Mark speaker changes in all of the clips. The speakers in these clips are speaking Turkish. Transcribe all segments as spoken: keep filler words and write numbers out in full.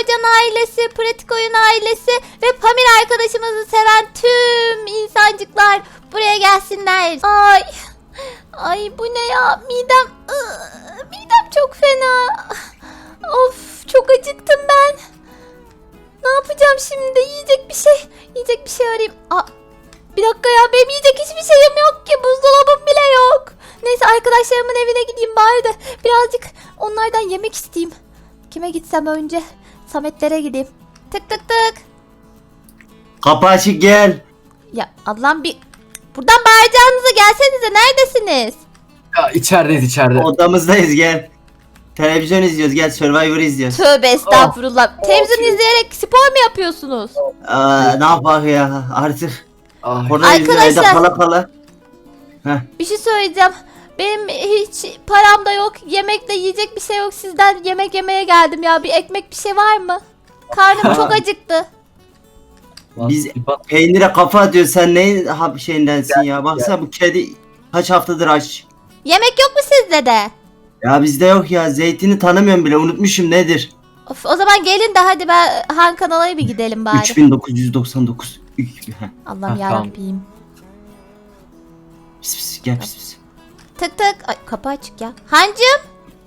Speaker 1: Teocan ailesi, Pratik Oyun ailesi ve Pamir arkadaşımızı seven tüm insancıklar buraya gelsinler. Ay, ay bu ne ya? Midem, ıı, midem çok fena. Of, çok acıktım ben. Ne yapacağım şimdi? Yiyecek bir şey, yiyecek bir şey arayayım. Aa, bir dakika ya, benim yiyecek hiçbir şeyim yok ki. Buzdolabım bile yok. Neyse, arkadaşlarımın evine gideyim bari de birazcık onlardan yemek isteyeyim. Kime gitsem önce? Sametlere gideyim. Tık tık tık.
Speaker 2: Kapı açık, gel.
Speaker 1: Ya Allah'ım, bir buradan bağıracağınıza gelsenize, neredesiniz?
Speaker 3: Ya içerideyiz içeride.
Speaker 2: Odamızdayız, gel. Televizyon izliyoruz, gel. Survivor izliyoruz.
Speaker 1: Tövbe estağfurullah. Televizyon izleyerek spor mu yapıyorsunuz?
Speaker 2: Aa, ne yapak ya artık.
Speaker 3: Ay.
Speaker 2: Orada yüzüyor, evde
Speaker 1: Arkadaşlar.
Speaker 2: kala kala. Heh.
Speaker 1: Bir şey söyleyeceğim. Benim hiç param da yok. Yemek de yiyecek bir şey yok. Sizden yemek yemeye geldim ya. Bir ekmek, bir şey var mı? Karnım çok acıktı.
Speaker 2: Biz
Speaker 3: Bir bak-
Speaker 2: peynire kafa atıyoruz, sen neyin hap şeyindensin ya. Baksana bu kedi kaç haftadır aç.
Speaker 1: Yemek yok mu sizde de?
Speaker 2: Ya bizde yok ya, zeytini tanımıyorum bile, unutmuşum nedir.
Speaker 1: Of, o zaman gelin de hadi ben Han kanala bir gidelim bari.
Speaker 2: üç bin dokuz yüz doksan dokuz. Üç- Heh.
Speaker 1: Allah'ım
Speaker 3: Ha, tamam.
Speaker 1: yarabbim.
Speaker 2: Pis pis, gel pis pis.
Speaker 1: Tık tık. Ay, kapı açık ya. Hancım.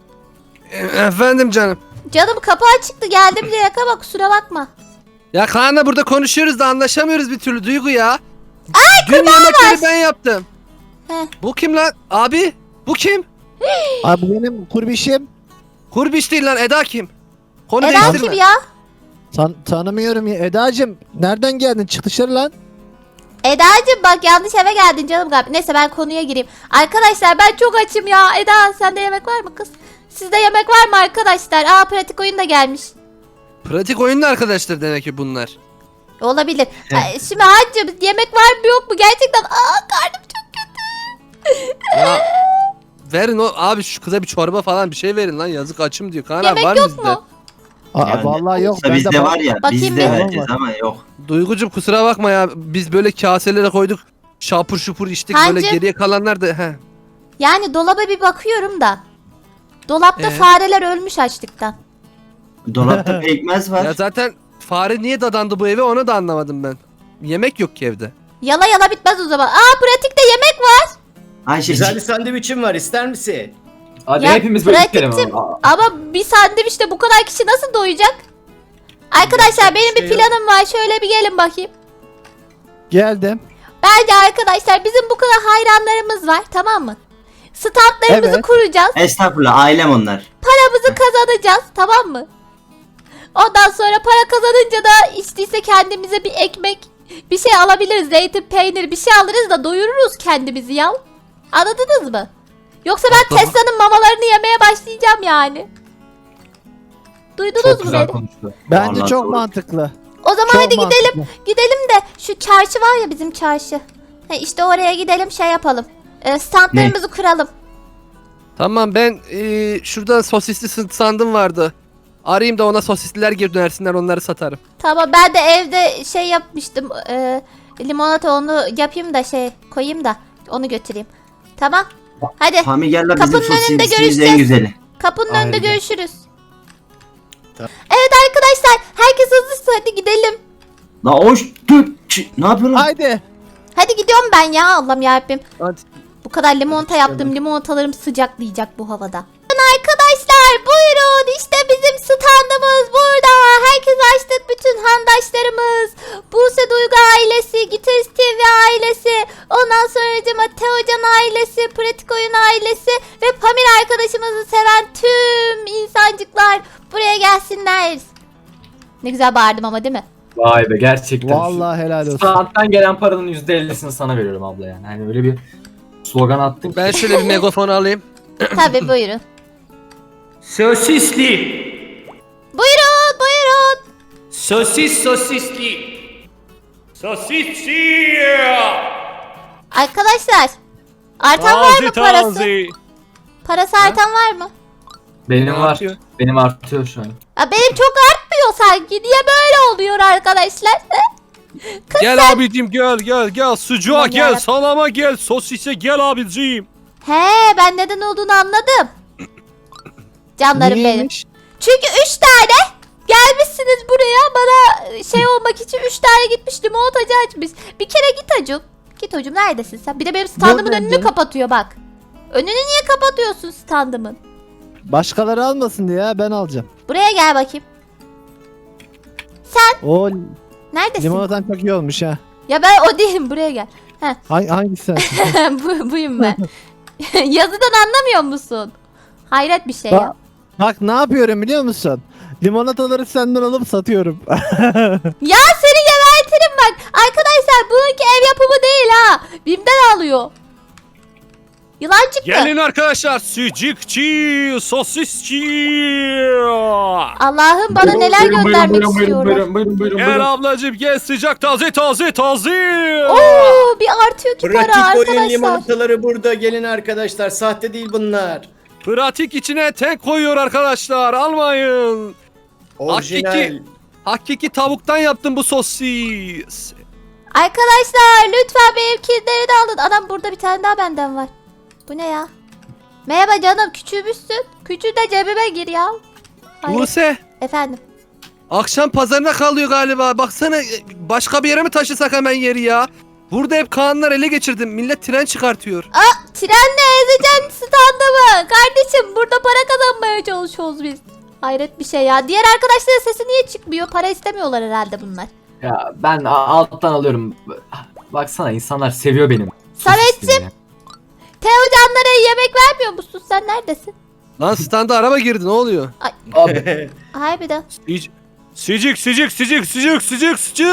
Speaker 4: Efendim canım.
Speaker 1: Canım, kapı açıktı. Geldim direkt ama kusura bakma.
Speaker 4: Ya Kaan'la burada konuşuyoruz da anlaşamıyoruz bir türlü Duygu ya. Ay Dün yemekleri ben yaptım.
Speaker 1: Heh.
Speaker 4: Bu kim lan? Abi bu kim?
Speaker 5: Abi bu benim kurbişim.
Speaker 4: Kurbiş değil lan, Eda kim? Konu
Speaker 1: Eda
Speaker 4: değiştirme.
Speaker 1: kim ya?
Speaker 5: Tan tanımıyorum ya. Edacığım nereden geldin? Çık dışarı lan.
Speaker 1: Eda'cığım bak, yanlış eve geldin canım galiba. Neyse, ben konuya gireyim. Arkadaşlar, ben çok açım ya. Eda, sende yemek var mı kız? Sizde yemek var mı arkadaşlar? Aa, Pratik Oyun da gelmiş.
Speaker 4: Pratik oyunlu arkadaşlar demek ki bunlar.
Speaker 1: Olabilir. Ay, şimdi Hancım, yemek var mı yok mu? Gerçekten aa, karnım çok kötü.
Speaker 4: Ya verin o abi, şu kıza bir çorba falan bir şey verin lan, yazık açım diyor. Kaan abi
Speaker 1: Yemek
Speaker 4: var mı
Speaker 1: yok
Speaker 4: bizde?
Speaker 1: mu?
Speaker 5: Aa,
Speaker 2: Yani
Speaker 5: vallahi yok.
Speaker 2: olsa
Speaker 5: Bende
Speaker 2: bizde
Speaker 5: bal-
Speaker 2: var ya,
Speaker 1: Bakayım
Speaker 2: bizde
Speaker 1: bir.
Speaker 2: vereceğiz ama yok.
Speaker 4: Duygucum kusura bakma ya, biz böyle kaselere koyduk. Şapur şupur içtik,
Speaker 1: Hancım.
Speaker 4: böyle geriye kalanlar da he.
Speaker 1: Yani dolaba bir bakıyorum da. Dolapta
Speaker 4: Ee?
Speaker 1: fareler ölmüş açlıktan.
Speaker 2: Dolapta pekmez var.
Speaker 4: Ya zaten fare niye dadandı bu eve, onu da anlamadım ben. Yemek yok ki evde.
Speaker 1: Yala yala bitmez o zaman. Aa, Pratik'te yemek var.
Speaker 2: Ayşe,
Speaker 6: Güzel bir sandviçim var, ister misin?
Speaker 3: Hadi
Speaker 1: Ya,
Speaker 3: hepimiz böyle
Speaker 1: pratikçim.
Speaker 3: içelim ama.
Speaker 1: Ama bir sandviçte bu kadar kişi nasıl doyacak? Arkadaşlar, benim bir
Speaker 6: şey yok.
Speaker 1: planım var. Şöyle bir gelin bakayım.
Speaker 5: Geldim.
Speaker 1: Bence arkadaşlar, bizim bu kadar hayranlarımız var, tamam mı? Standlarımızı
Speaker 5: Evet.
Speaker 1: kuracağız.
Speaker 2: estağfurullah, ailem onlar.
Speaker 1: Paramızı kazanacağız, tamam mı? Ondan sonra para kazanınca da içtiyse kendimize bir ekmek, bir şey alabiliriz. Zeytin, peynir bir şey alırız da doyururuz kendimizi ya. Anladınız mı? Yoksa ben
Speaker 4: Tamam.
Speaker 1: Tesla'nın mamalarını yemeye başlayacağım yani. Duydunuz
Speaker 3: Çok
Speaker 1: mu
Speaker 3: güzel
Speaker 1: beni?
Speaker 3: konuştu.
Speaker 5: Bence
Speaker 2: Vallahi
Speaker 5: çok
Speaker 2: doğru.
Speaker 5: mantıklı.
Speaker 1: O zaman
Speaker 5: Çok
Speaker 1: hadi gidelim.
Speaker 5: mantıklı.
Speaker 1: Gidelim de şu çarşı var ya, bizim çarşı. He, işte oraya gidelim, şey yapalım. Ee, standlarımızı kuralım.
Speaker 4: Tamam, ben eee şurada sosisli s- sandım vardı. Arayayım da ona sosisliler geri dönersinler, onları satarım.
Speaker 1: Tamam, ben de evde şey yapmıştım. E, limonata, onu yapayım da şey koyayım da onu götüreyim. Tamam. Hadi
Speaker 2: Pami gel la, bizim
Speaker 1: Kapının önünde
Speaker 2: sosisimiz
Speaker 1: görüşeceğiz.
Speaker 2: en güzeli.
Speaker 1: kapının
Speaker 3: Aynen.
Speaker 1: önünde görüşürüz.
Speaker 6: Tamam.
Speaker 1: Evet arkadaşlar, herkes hazırsa hadi gidelim.
Speaker 2: La hoş dur. Ç- Ne yapıyorsun?
Speaker 5: Haydi.
Speaker 1: Hadi gidiyorum ben ya, Allah'ım yarabbim.
Speaker 4: Hadi.
Speaker 1: Bu kadar limonata yaptım. Limonatalarım sıcaklayacak bu havada. Arkadaşlar buyurun, işte bizim standımız burada. Herkes açtık, bütün handaşlarımız. Buse Duygu ailesi, Gitarist T V ailesi, ondan sonra Teocan ailesi, Pratik Oyun ailesi ve Pamir arkadaşımızı seven tüm insancıklar buraya gelsinler. Ne güzel bağırdım ama, değil mi?
Speaker 3: Vay be, gerçekten.
Speaker 5: Vallahi helal olsun.
Speaker 3: Standtan gelen paranın yüzde ellisini sana veriyorum abla yani. Hani öyle bir slogan attın ki.
Speaker 4: Ben şöyle bir megafon alayım.
Speaker 1: Tabii buyurun.
Speaker 7: Sosisli.
Speaker 1: Buyurun buyurun.
Speaker 7: Sosis sosisli. Sosisli.
Speaker 1: Arkadaşlar, artan var mı parası? Parası artan var mı?
Speaker 3: Benim var.
Speaker 4: Artıyor.
Speaker 3: Benim artıyor şu an.
Speaker 1: Ya benim çok artmıyor sanki. Niye böyle oluyor arkadaşlar?
Speaker 4: Gel abicim, gel gel gel, sucuğa
Speaker 1: Aman
Speaker 4: gel,
Speaker 1: yarabbim.
Speaker 4: salama gel, sosise gel abicim.
Speaker 1: He, ben neden olduğunu anladım. Canlarım benim.
Speaker 5: Niyeymiş?
Speaker 1: Çünkü üç tane gelmişsiniz gelmişsiniz buraya bana şey olmak için üç tane gitmiş limonatacı açmış. Bir kere git hacım. Git hocam neredesin sen? Bir de benim standımın
Speaker 5: Buradayım
Speaker 1: önünü
Speaker 5: canım.
Speaker 1: kapatıyor bak. Önünü niye kapatıyorsun standımın?
Speaker 5: Başkaları almasın diye ya, ben alacağım.
Speaker 1: Buraya gel bakayım.
Speaker 5: O
Speaker 1: Neredesin?
Speaker 5: limonatan çok iyi olmuş ha.
Speaker 1: Ya ben o değilim buraya gel.
Speaker 5: Hangi, hangisi sensin?
Speaker 1: Bu, buyum ben. Yazıdan anlamıyor musun? Hayret bir şey ya.
Speaker 5: Bak, bak ne yapıyorum biliyor musun? Limonataları senden alıp satıyorum.
Speaker 1: Ya seni gebertirim bak. Arkadaşlar bununki ev yapımı değil ha. Bim'den alıyor. Yılan çıktı.
Speaker 4: Gelin arkadaşlar, sucukçu, sosisçi.
Speaker 1: Allah'ım bana neler
Speaker 3: Buyurun,
Speaker 1: göndermek
Speaker 3: buyurun, buyurun,
Speaker 1: istiyorlar.
Speaker 3: Buyurun buyurun buyurun.
Speaker 4: Gel
Speaker 3: buyurun.
Speaker 4: ablacım gel, sıcak taze taze taze.
Speaker 1: Oo bir artıyor ki para
Speaker 6: Pratik oyun
Speaker 1: arkadaşlar.
Speaker 6: limonataları burada. Gelin arkadaşlar. Sahte değil bunlar.
Speaker 4: Pratik içine tek koyuyor arkadaşlar, almayın.
Speaker 6: Orijinal.
Speaker 4: Hakiki. Hakiki tavuktan yaptım bu sosis.
Speaker 1: Arkadaşlar lütfen benimkileri de alın. Adam burada bir tane daha benden var. Bu ne ya? Merhaba canım küçülmüşsün. Küçül de cebime gir ya. Hayır.
Speaker 4: Buse,
Speaker 1: Efendim.
Speaker 4: akşam pazarına kalıyor galiba. Baksana, başka bir yere mi taşısak hemen yeri ya? Burada hep Kaanlar ele geçirdim. Millet tren çıkartıyor.
Speaker 1: Aa trenle ezeceğim standımı. Kardeşim burada para kazanmaya çalışıyoruz biz. Hayret bir şey ya. Diğer arkadaşların sesi niye çıkmıyor? Para istemiyorlar herhalde bunlar.
Speaker 3: Ya ben a- alttan alıyorum. Baksana insanlar seviyor benim.
Speaker 1: Samet'cim
Speaker 3: sosisliğimi.
Speaker 1: Teo canlara yemek vermiyor musun? Sen neredesin?
Speaker 4: Lan standa araba girdi, ne oluyor?
Speaker 3: Abi
Speaker 1: Harbiden.
Speaker 4: Sıcık sıcık sıcık sıcık sıcık sıcık.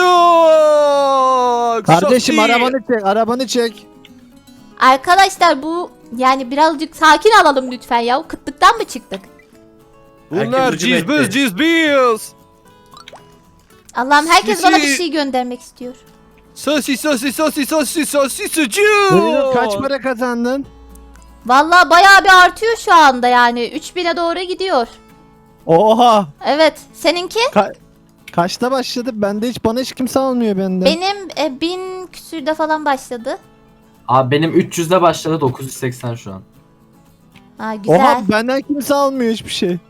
Speaker 5: Kardeşim
Speaker 4: Sosis.
Speaker 5: arabanı çek, arabanı çek.
Speaker 1: Arkadaşlar bu yani birazcık sakin alalım lütfen ya. Kıtlıktan mı çıktık?
Speaker 4: Bunlar
Speaker 6: Herkes hücum
Speaker 4: cizbız
Speaker 6: etti.
Speaker 4: cizbız.
Speaker 1: Allah'ım herkes
Speaker 4: Sisi.
Speaker 1: bana bir şey göndermek istiyor.
Speaker 4: Sosis sosis sosis sosis sosis sucuk.
Speaker 5: Buyurun, kaç para kazandın?
Speaker 1: Vallahi bayağı bir artıyor şu anda yani. üç bine doğru gidiyor.
Speaker 5: Oha!
Speaker 1: Evet. Seninki?
Speaker 5: Ka- kaçta başladı? Bende hiç, bana hiç kimse almıyor benden.
Speaker 1: Benim e, bin küsürde falan başladı.
Speaker 3: Abi benim üç yüzde başladı, dokuz yüz seksen şu an.
Speaker 1: Ha güzel.
Speaker 5: Oha, benden kimse almıyor hiçbir şey.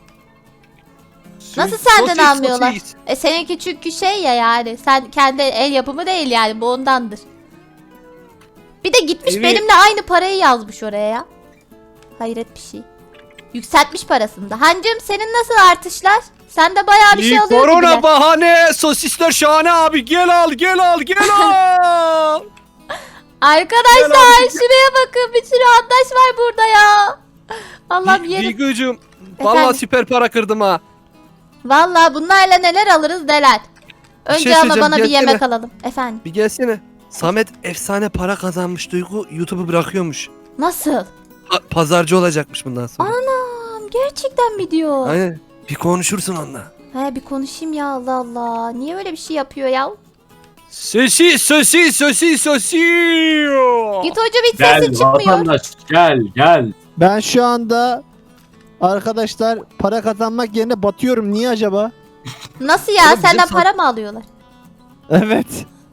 Speaker 1: Nasıl senden
Speaker 4: Sosis,
Speaker 1: almıyorlar?
Speaker 4: sosis.
Speaker 1: E seninki çünkü şey ya yani. Sen kendi el yapımı değil yani. Bu ondandır. Bir de gitmiş
Speaker 4: Evet.
Speaker 1: benimle aynı parayı yazmış oraya ya. Hayret bir şey. Yükseltmiş parasını da. Hancım senin nasıl artışlar? Sen de bayağı bir şey
Speaker 4: İyi,
Speaker 1: alıyor
Speaker 4: korona
Speaker 1: gibiler.
Speaker 4: bahane, sosisler şahane abi, gel al gel al gel al.
Speaker 1: Arkadaşlar
Speaker 4: Gel abi.
Speaker 1: şuraya bakın. Bir sürü arkadaş var burada ya. Allah'ım yerim.
Speaker 4: Duygucuğum,
Speaker 1: Efendim?
Speaker 4: vallahi süper para kırdım ha.
Speaker 1: Vallahi bunlarla neler alırız neler. Önce
Speaker 4: şey
Speaker 1: ama
Speaker 4: söyleyeceğim,
Speaker 1: bana bir
Speaker 4: gelsene.
Speaker 1: yemek alalım. Efendim.
Speaker 4: Bir gelsene. Samet efsane para kazanmış, Duygu YouTube'u bırakıyormuş.
Speaker 1: Nasıl?
Speaker 4: Pa- pazarcı olacakmış bundan sonra.
Speaker 1: Anam gerçekten mi diyor?
Speaker 4: Aynen. Bir konuşursun onunla.
Speaker 1: He bir konuşayım ya Allah Allah. Niye öyle bir şey yapıyor ya?
Speaker 4: Sosis sosis sosis sosis.
Speaker 1: Git hoca bir
Speaker 3: Gel
Speaker 1: sesi çıkmıyor.
Speaker 3: vatandaş gel gel.
Speaker 5: Ben şu anda arkadaşlar para kazanmak yerine batıyorum. Niye acaba?
Speaker 1: Nasıl ya?
Speaker 4: Oğlum bize
Speaker 1: Senden
Speaker 4: sor-
Speaker 1: para mı alıyorlar?
Speaker 5: Evet.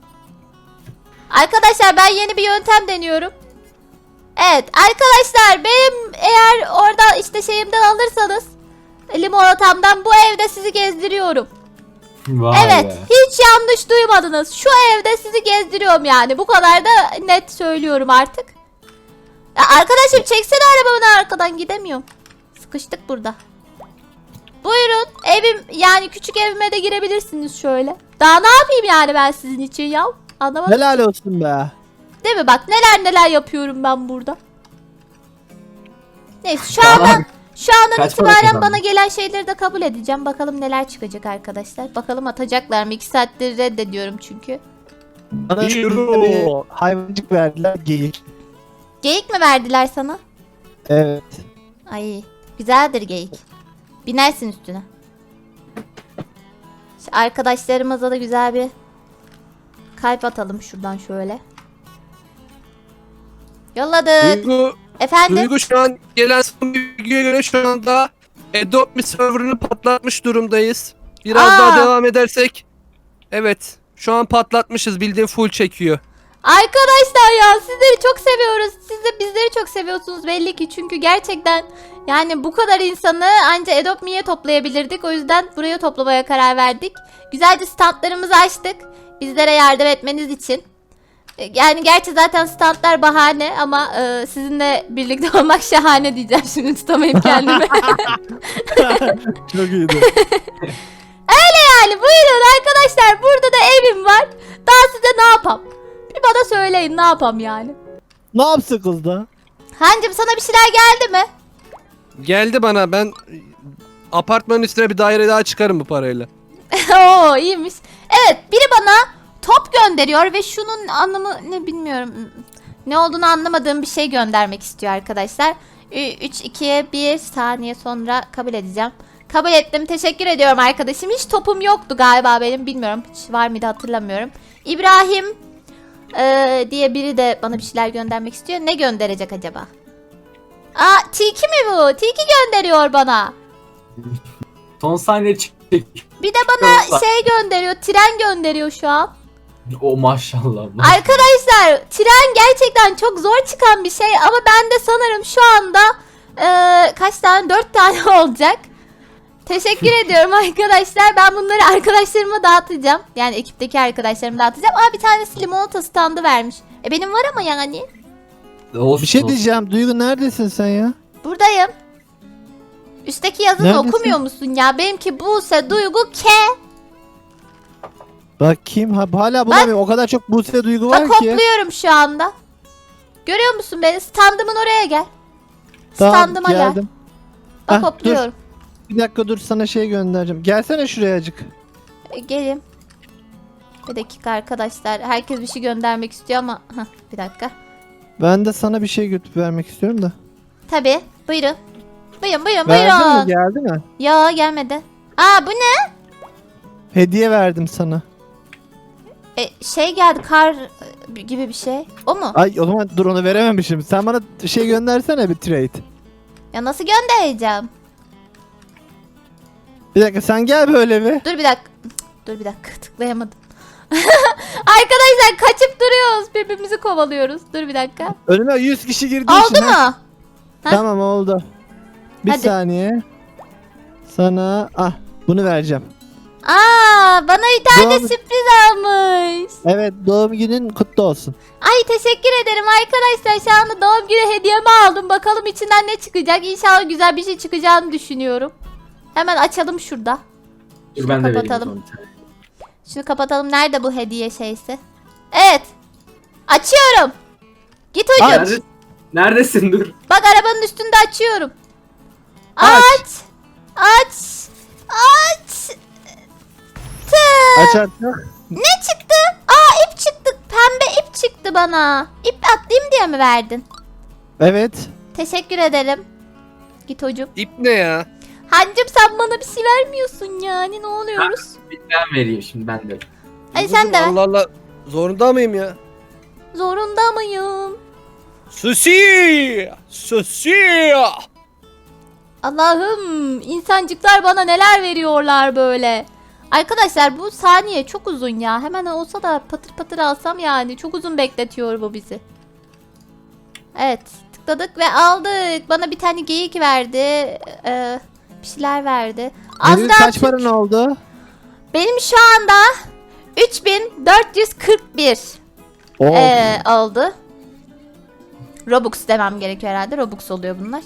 Speaker 1: Arkadaşlar ben yeni bir yöntem deniyorum. Evet arkadaşlar benim eğer orada işte şeyimden alırsanız limonatamdan bu evde sizi gezdiriyorum.
Speaker 3: Vay
Speaker 1: Evet
Speaker 3: be.
Speaker 1: hiç yanlış duymadınız. Şu evde sizi gezdiriyorum yani. Bu kadar da net söylüyorum artık. Ya arkadaşım çeksene arabamı arkadan gidemiyorum. Sıkıştık burada. Buyurun evim yani küçük evime de girebilirsiniz şöyle. Daha ne yapayım yani ben sizin için ya? Anlamadım.
Speaker 5: Helal olsun be.
Speaker 1: Değil mi? Bak neler neler yapıyorum ben burada. Neyse şu andan şu andan
Speaker 3: Kaç para
Speaker 1: itibaren
Speaker 3: kazandın?
Speaker 1: bana gelen şeyleri de kabul edeceğim. Bakalım neler çıkacak arkadaşlar. Bakalım atacaklar mı? iki saattir reddediyorum çünkü.
Speaker 5: Bana
Speaker 4: İyi
Speaker 5: bir
Speaker 4: yürü.
Speaker 5: hayvancık verdiler, geyik.
Speaker 1: Geyik mi verdiler sana?
Speaker 5: Evet.
Speaker 1: Ay güzeldir geyik. Binersin üstüne. Şu arkadaşlarımıza da güzel bir kalp atalım şuradan şöyle. Yolladık.
Speaker 4: Duygu,
Speaker 1: Efendim?
Speaker 4: Duygu şu an gelen son bilgiye göre şu anda Adopt Me serverını patlatmış durumdayız. Biraz
Speaker 1: Aa.
Speaker 4: daha devam edersek. Evet. Şu an patlatmışız, bildiğin full çekiyor.
Speaker 1: Arkadaşlar ya sizleri çok seviyoruz. Siz de bizleri çok seviyorsunuz belli ki. Çünkü gerçekten yani bu kadar insanı anca Adopt Me'ye toplayabilirdik. O yüzden buraya toplamaya karar verdik. Güzelce standlarımızı açtık. Bizlere yardım etmeniz için. Yani gerçi zaten standlar bahane ama e, sizinle birlikte olmak şahane diyeceğim. Şimdi tutamayıp kendimi.
Speaker 5: Çok iyiydi.
Speaker 1: Yani buyurun arkadaşlar, burada da evim var. Daha size ne yapam? Bir bana söyleyin, ne yapam yani.
Speaker 5: Ne yapsın kız da?
Speaker 1: Hancım sana bir şeyler geldi mi?
Speaker 4: Geldi bana, ben apartmanın üstüne bir daire daha çıkarım bu parayla.
Speaker 1: Oo iyiymiş. Evet, biri bana top gönderiyor ve şunun anlamı ne bilmiyorum. Ne olduğunu anlamadığım bir şey göndermek istiyor arkadaşlar. üç, iki, bir saniye sonra kabul edeceğim. Kabul ettim. Teşekkür ediyorum arkadaşım. Hiç topum yoktu galiba benim. Bilmiyorum. Hiç var mıydı hatırlamıyorum. İbrahim ee, diye biri de bana bir şeyler göndermek istiyor. Ne gönderecek acaba? Aa Tiki mi bu? Tiki gönderiyor bana.
Speaker 3: Son saniye çek.
Speaker 1: Bir de bana şey gönderiyor. Tren gönderiyor şu an.
Speaker 3: O maşallah. maşallah.
Speaker 1: Arkadaşlar tren gerçekten çok zor çıkan bir şey ama ben de sanırım şu anda ee, kaç tane? dört tane olacak. Teşekkür ediyorum arkadaşlar. Ben bunları arkadaşlarıma dağıtacağım. Yani ekipteki arkadaşlarıma dağıtacağım. Aa bir tanesi limonata standı vermiş. E benim var ama yani.
Speaker 3: Olsun,
Speaker 5: Bir şey
Speaker 3: olsun.
Speaker 5: diyeceğim. Duygu neredesin sen ya?
Speaker 1: Buradayım. Üstteki yazını
Speaker 5: Neredesin?
Speaker 1: okumuyor musun ya? Benimki Buse, Duygu, K.
Speaker 5: Bakayım. Ha, hala bulamıyorum. O kadar çok Buse Duygu var
Speaker 1: Bak
Speaker 5: ki.
Speaker 1: hopluyorum şu anda. Görüyor musun beni? Standımın oraya gel.
Speaker 5: Tamam,
Speaker 1: Standıma gel.
Speaker 5: geldim.
Speaker 1: Bak
Speaker 5: Hah,
Speaker 1: hopluyorum.
Speaker 5: Bir dakika dur, sana şey göndereceğim. Gelsene şuraya acık.
Speaker 1: E, Gelin. Bir dakika arkadaşlar. Herkes bir şey göndermek istiyor ama. Hah, bir dakika.
Speaker 5: Ben de sana bir şey götürüp vermek istiyorum da.
Speaker 1: Tabii. Buyurun. Buyurun buyurun
Speaker 5: Verdin mi?
Speaker 1: buyurun.
Speaker 5: Geldi mi?
Speaker 1: Ya gelmedi. Aa bu ne?
Speaker 5: Hediye verdim sana.
Speaker 1: E, şey geldi kar e, gibi bir şey. O mu?
Speaker 5: Ay o zaman dur, onu verememişim. Sen bana şey göndersene, bir trade.
Speaker 1: Ya nasıl göndereceğim?
Speaker 5: Bir dakika sen gel böyle bir.
Speaker 1: Dur bir dakika. Cık, Dur bir dakika tıklayamadım. Arkadaşlar kaçıp duruyoruz. Birbirimizi kovalıyoruz. Dur bir dakika.
Speaker 5: Önüme yüz kişi girdi.
Speaker 1: Oldu mu? Ha?
Speaker 5: Tamam oldu. Bir
Speaker 1: Hadi.
Speaker 5: saniye. Sana ah bunu vereceğim.
Speaker 1: Aa bana bir tane
Speaker 5: Doğum-
Speaker 1: sürpriz almış.
Speaker 5: Evet, doğum günün kutlu olsun.
Speaker 1: Ay teşekkür ederim arkadaşlar. Şu anda doğum günü hediyemi aldım. Bakalım içinden ne çıkacak. İnşallah güzel bir şey çıkacağını düşünüyorum. Hemen açalım şurada.
Speaker 3: Dur
Speaker 1: Şunu
Speaker 3: ben de vereyim.
Speaker 1: kapatalım.
Speaker 3: o zaman bir tane.
Speaker 1: Şunu kapatalım. Nerede bu hediye şeysi? Evet. Açıyorum. Git hocam.
Speaker 3: Nerede- Neredesin dur.
Speaker 1: Bak arabanın üstünde açıyorum.
Speaker 5: Aç.
Speaker 1: Aç. Aç. Aç. Tı.
Speaker 5: Aç artık.
Speaker 1: Ne çıktı? Aa ip çıktı. Pembe ip çıktı bana. İp atlayayım diye mi verdin?
Speaker 5: Evet.
Speaker 1: Teşekkür ederim. Git hocam.
Speaker 4: İp ne ya?
Speaker 1: Hancım sen bana bir şey vermiyorsun yani. Ne oluyoruz?
Speaker 3: Ben vereyim şimdi ben de.
Speaker 1: Ay sen de ver.
Speaker 4: Allah Allah. Zorunda mıyım ya?
Speaker 1: Zorunda mıyım?
Speaker 4: Susi! Susi!
Speaker 1: Allah'ım insancıklar bana neler veriyorlar böyle. Arkadaşlar bu saniye çok uzun ya. Hemen olsa da patır patır alsam yani. Çok uzun bekletiyor bu bizi. Evet tıkladık ve aldık. Bana bir tane geyik verdi. Ee, bir şeyler verdi.
Speaker 5: Senin
Speaker 1: Azra
Speaker 5: kaç
Speaker 1: Türk-
Speaker 5: paran oldu?
Speaker 1: Benim şu anda üç bin dört yüz kırk bir
Speaker 5: Oh.
Speaker 1: ee, oldu. Robux demem gerekiyor herhalde. Robux oluyor bunlar.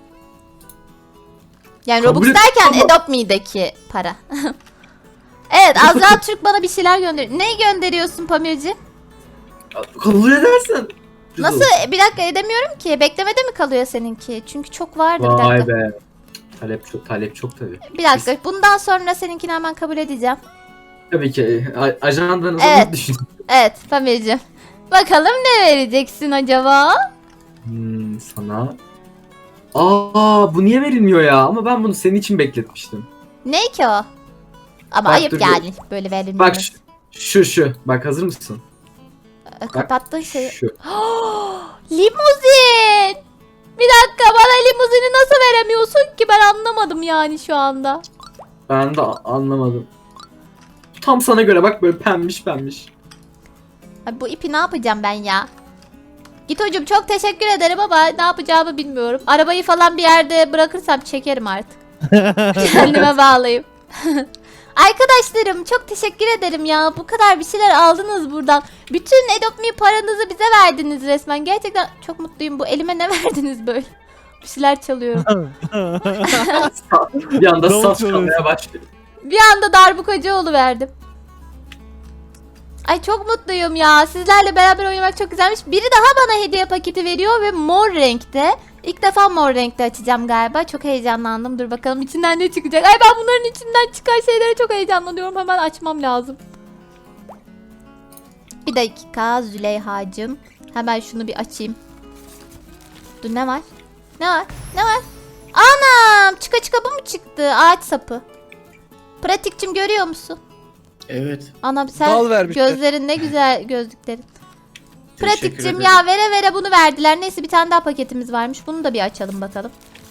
Speaker 1: Yani
Speaker 3: Kabul
Speaker 1: Robux
Speaker 3: et-
Speaker 1: derken
Speaker 3: ama-
Speaker 1: Adopt Me'deki para. Evet Azra Türk bana bir şeyler gönderiyor. Ne gönderiyorsun Pamirci?
Speaker 3: Kabul edersen.
Speaker 1: Nasıl? Bir dakika edemiyorum ki. Beklemede mi kalıyor seninki? Çünkü çok vardı bir
Speaker 3: Vay
Speaker 1: dakika.
Speaker 3: be. Talep çok, talep çok tabii.
Speaker 1: Bir dakika. Bundan sonra seninkini hemen kabul edeceğim.
Speaker 3: Tabii ki. a- Ajandanızı
Speaker 1: Evet.
Speaker 3: evet. düşün.
Speaker 1: Evet Pamirci. Bakalım ne vereceksin acaba?
Speaker 3: Hmm, sana. Aa bu niye verilmiyor ya? Ama ben bunu senin için bekletmiştim.
Speaker 1: Ne ki o? Ama
Speaker 3: Bak,
Speaker 1: ayıp
Speaker 3: dur,
Speaker 1: yani böyle verilmemesi.
Speaker 3: Bak şu, şu şu. Bak hazır mısın?
Speaker 1: Ee, Kapattığın şeyi.
Speaker 3: Şu.
Speaker 1: Limuzin! Bir dakika bana limuzini nasıl veremiyorsun ki ben anlamadım yani şu anda.
Speaker 3: Ben de a- anlamadım. Tam sana göre bak böyle pembiş pembiş.
Speaker 1: Ay, bu ipi ne yapacağım ben ya? Git hocam, çok teşekkür ederim ama ne yapacağımı bilmiyorum. Arabayı falan bir yerde bırakırsam çekerim artık. Kendime bağlayayım. Arkadaşlarım çok teşekkür ederim ya. Bu kadar bir şeyler aldınız buradan. Bütün Adopt Me paranızı bize verdiniz resmen. Gerçekten çok mutluyum. Bu elime ne verdiniz böyle? Bir şeyler çalıyorum.
Speaker 3: Bir anda
Speaker 5: Davul
Speaker 3: saz
Speaker 5: çalıyorsun.
Speaker 3: çalmaya başladı.
Speaker 1: Bir anda darbukacı oluverdim. Ay çok mutluyum ya. Sizlerle beraber oynamak çok güzelmiş. Biri daha bana hediye paketi veriyor ve mor renkte. İlk defa mor renkte açacağım galiba. Çok heyecanlandım. Dur bakalım içinden ne çıkacak. Ay ben bunların içinden çıkan şeylere çok heyecanlanıyorum. Hemen açmam lazım. Bir dakika Züleyha'cığım. Hemen şunu bir açayım. Dur ne var? Ne var? Ne var? Anam! Çıka çıka bu mu çıktı? Ağaç sapı. Pratikçim görüyor musun?
Speaker 6: Evet.
Speaker 1: Anam sen
Speaker 4: Dal vermişler.
Speaker 1: gözlerin ne güzel gözlüklerin.
Speaker 6: Teşekkür
Speaker 1: Pratikçim
Speaker 6: ederim.
Speaker 1: ya vere vere bunu verdiler. Neyse bir tane daha paketimiz varmış. Bunu da bir açalım bakalım.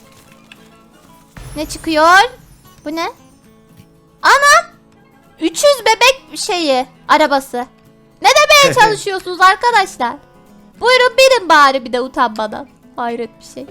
Speaker 1: Ne çıkıyor? Bu ne? Anam! üç yüz bebek şeyi arabası. Ne demeye çalışıyorsunuz arkadaşlar? Buyurun binin bari bir de utanmadan. Hayret bir şey.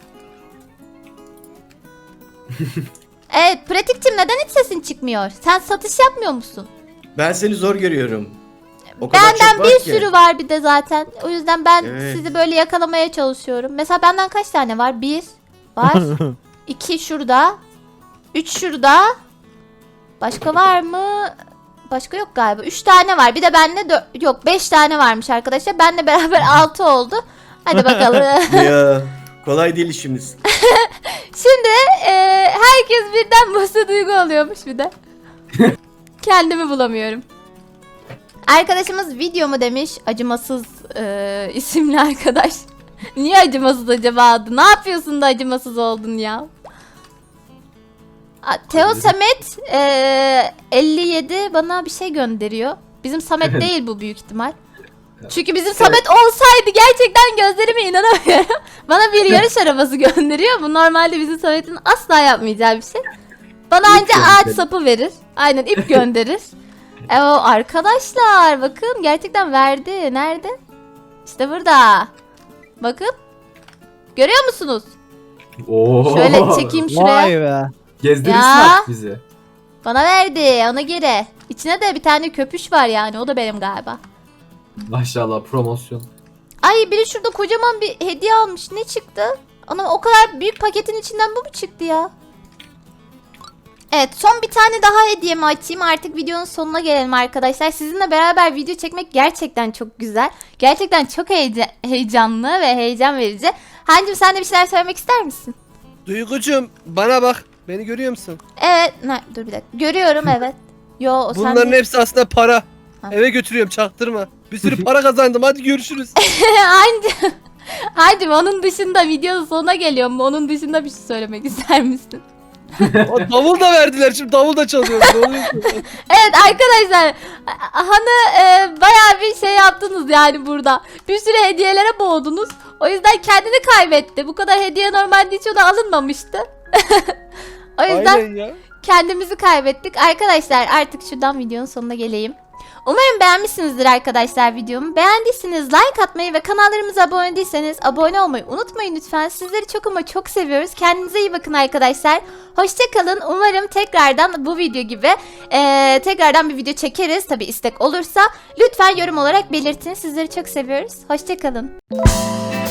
Speaker 1: Evet pratikçim neden hiç sesin çıkmıyor? Sen satış yapmıyor musun?
Speaker 6: Ben seni zor görüyorum. O kadar
Speaker 1: Benden
Speaker 6: çok var
Speaker 1: bir
Speaker 6: ki.
Speaker 1: sürü var bir de zaten. O yüzden ben
Speaker 6: Evet.
Speaker 1: sizi böyle yakalamaya çalışıyorum. Mesela benden kaç tane var? Bir var. iki şurada. Üç şurada. Başka var mı? Başka yok galiba. Üç tane var. Bir de bende dört, yok beş tane varmış arkadaşlar. Benle beraber altı oldu. Hadi bakalım.
Speaker 6: Ya kolay değil işimiz.
Speaker 1: Şimdi e, herkes birden Buse Duygu oluyormuş bir de. Kendimi bulamıyorum. Arkadaşımız video mu demiş. Acımasız e, isimli arkadaş. Niye acımasız acaba adı? Ne yapıyorsun da acımasız oldun ya? A, Teo Samet e, elli yedi bana bir şey gönderiyor. Bizim Samet değil bu büyük ihtimal. Çünkü bizim Samet olsaydı gerçekten gözlerime inanamıyorum. Bana bir yarış arabası gönderiyor. Bu normalde bizim Samet'in asla yapmayacağı bir şey. Bana
Speaker 3: İp
Speaker 1: anca ağaç
Speaker 3: gönderir.
Speaker 1: sapı verir. Aynen ip gönderir. E o arkadaşlar bakın gerçekten verdi. Nerede? İşte burada. Bakın. Görüyor musunuz?
Speaker 3: Oo.
Speaker 1: Şöyle çekeyim şuraya.
Speaker 5: Vay be.
Speaker 3: Gezdirirsin
Speaker 1: Ya.
Speaker 3: artık bizi.
Speaker 1: Bana verdi ona göre. İçine de bir tane köpüş var yani o da benim galiba.
Speaker 3: Maşallah promosyon.
Speaker 1: Ay biri şurada kocaman bir hediye almış. Ne çıktı? Ana o kadar büyük paketin içinden bu mu çıktı ya? Evet son bir tane daha hediyemi açayım. Artık videonun sonuna gelelim arkadaşlar. Sizinle beraber video çekmek gerçekten çok güzel. Gerçekten çok heyece- heyecanlı ve heyecan verici. Hancım sen de bir şeyler söylemek ister misin?
Speaker 4: Duygucuğum bana bak. Beni görüyor musun?
Speaker 1: Evet. Ne, dur bir dakika. Görüyorum evet. Yo o sen
Speaker 4: Bunların
Speaker 1: değil.
Speaker 4: hepsi aslında para.
Speaker 1: Ha.
Speaker 4: Eve götürüyorum çaktırma. Bir sürü para kazandım hadi görüşürüz.
Speaker 1: Hancım. Hancım onun dışında videonun sonuna geliyorum. Onun dışında bir şey söylemek ister misin?
Speaker 4: O davul da verdiler şimdi davul da çalıyorum. Ne oluyor ki?
Speaker 1: Evet arkadaşlar Han'ı e, bayağı bir şey yaptınız yani burada. Bir sürü hediyelere boğdunuz. O yüzden kendini kaybetti. Bu kadar hediye normalde hiç ona alınmamıştı. O yüzden
Speaker 4: Aynen ya.
Speaker 1: kendimizi kaybettik. Arkadaşlar artık şuradan videonun sonuna geleyim. Umarım beğenmişsinizdir arkadaşlar videomu. Beğendiyseniz like atmayı ve kanallarımıza abone değilseniz abone olmayı unutmayın lütfen. Sizleri çok ama çok seviyoruz. Kendinize iyi bakın arkadaşlar. Hoşçakalın. Umarım tekrardan bu video gibi eee, tekrardan bir video çekeriz. Tabi istek olursa lütfen yorum olarak belirtin. Sizleri çok seviyoruz. Hoşçakalın.